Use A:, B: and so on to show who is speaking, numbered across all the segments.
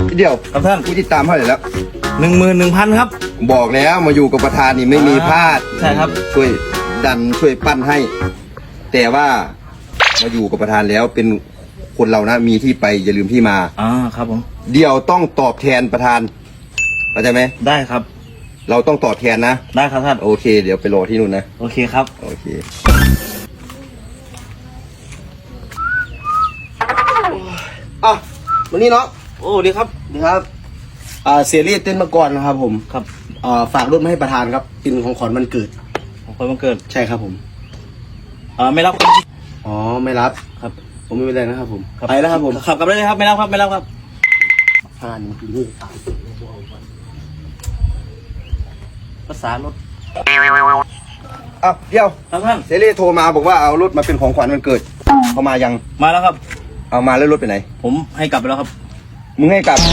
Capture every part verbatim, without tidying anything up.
A: เดี๋ยว
B: ครับท่าน
A: ผู้ติดตามเท่าไหร่แล้ว
B: หนึ่งหมื่นหนึ่งพันครับ
A: บอกแล้วมาอยู่กับประธานนี่ไม่มีพลาด
B: ใช่ครับ
A: ช่วยดันช่วยปั้นให้ แต่ว่ามาอยู่กับประธานแล้วเป็นคนเรานะมีที่ไปอย่าลืมที่มา
B: อ่าครับผม
A: เดี๋ยวต้องตอบแทนประธานเข้าใจไหม
B: ได้ครับ
A: เราต้องตอบแทนนะ
B: ได้ครับท่าน
A: โอเค เดี๋ยวไปรอที่นู่นนะ
B: โอเคครับ
A: โอเคอ่ะวันนี้เนาะ
B: โอ้ดีครับ
C: นี่ครับอ่าเสียรีดเต้นมาก่อนนะครับผม
B: ครับ
C: อ่าฝากรถมาให้ประธานครับเป็นของขวัญวันเกิด
B: ของคนวันเกิด
C: ใช่ครับผม
B: อ่าไม่รับ
C: อ๋อไม่รับ
B: ครับ
C: ผมไม่เป็นไรนะครับผมไปแล้วครับผม
B: ขับกลับได้เลยครับไม่รับครับไม่รับครับ
C: ประธานอยู่นี่ตาย
B: ภาษารถ
A: อ่ะเดี๋ยว
B: ครับท่าน
A: เซรีโทรมาบอกว่าเอารถมาเป็นของขวัญวันเกิดเขามายัง
B: มาแล้วครับ
A: เอามาแล้วรถไปไหน
B: ผมให้กลับไปแล้วครับ
A: มึงให้กลับ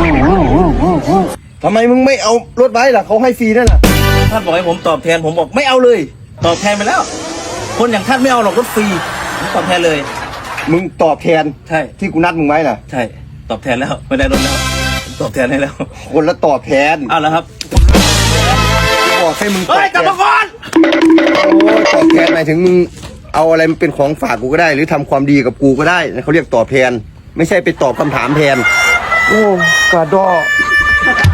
A: ทำไมมึงไม่เอารถไว้ล่ะเขาให้ฟรีนั่นน่ะ
B: ท่านบอกให้ผมตอบแทนผมบอกไม่เอาเลย ตอบแทนไปแล้ว คนอย่างท่านไม่เอาหรอกรถฟรีผมตอบแทนเลย
A: มึงตอบแทน
B: ใช่
A: ที่กูนัดมึงไว้น่ะ
B: ใช่ตอบแทนแล้วไม่ได้รถแล้วตอบแทนให้แล้ว
A: คนละตอบแทน
B: เอาแล้วครับ
A: กูบอกให้มึงตอบ
B: เฮ้ย
A: แท
B: กลับ
A: น
B: มาก่อน
A: โอ้ยตอบแทนหมายถึงมึงเอาอะไรมาเป็นของฝากกูก็ได้ หรือทำความดีกับกูก็ได้เขาเรียกตอบแทน ไม่ใช่ไปตอบคำถามแทน โอ้กระดอ